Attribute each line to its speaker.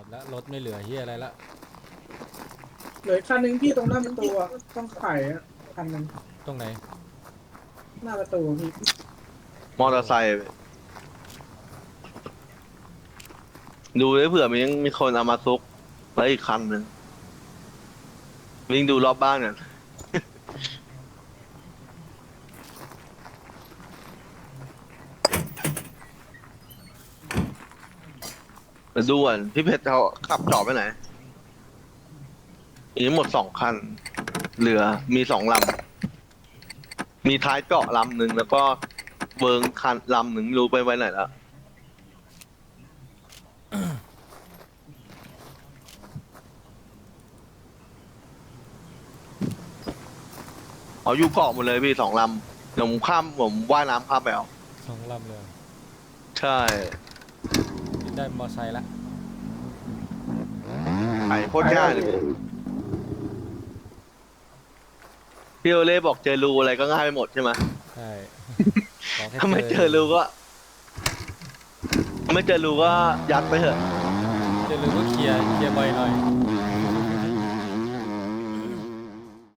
Speaker 1: แล้วรถไม่เหลือเฮียอะไรละ
Speaker 2: เหลือคันหนึ่งพี่ตรงหน้าประตูอะต้องไขอะคันหนึ่ง
Speaker 1: ตรงไหน
Speaker 2: หน้าประตูพี่
Speaker 3: มอเตอร์ไซค์ดูได้เผื่อมีคนเอามาซุกแล้วอีกคันหนึ่งวิ่งดูรอบบ้านกันมาดูก่อนพี่เพชรเขาขับจอดไปไหนมีทั้งหมด2 คันเหลือมี2 ลำมีท้ายเกาะลำหนึ่งแล้วก็เวิร์งคันลำหนึ่งไม่รู้ไปไว้ไหนแล้วเอาอยู่เกาะหมดเลยพี่2 ลำเดี๋ยวผมว่ายน้ำข้ามไปเอา
Speaker 1: 2 ลำเลย
Speaker 3: ใช่
Speaker 1: ได้มอไซค์ละ
Speaker 3: ไอ้โคตรง่ายเลยพี่โอเล่บอกเจอรูอะไรก็ง่ายไปหมดใช่ไหม
Speaker 1: ใช่ขอแค่
Speaker 3: ถ้าไม่เจอรูก็ไม่เจอรูก็ยัดไปเถอะ
Speaker 1: เจอรูก็เคลียร์บ่อยหน่อย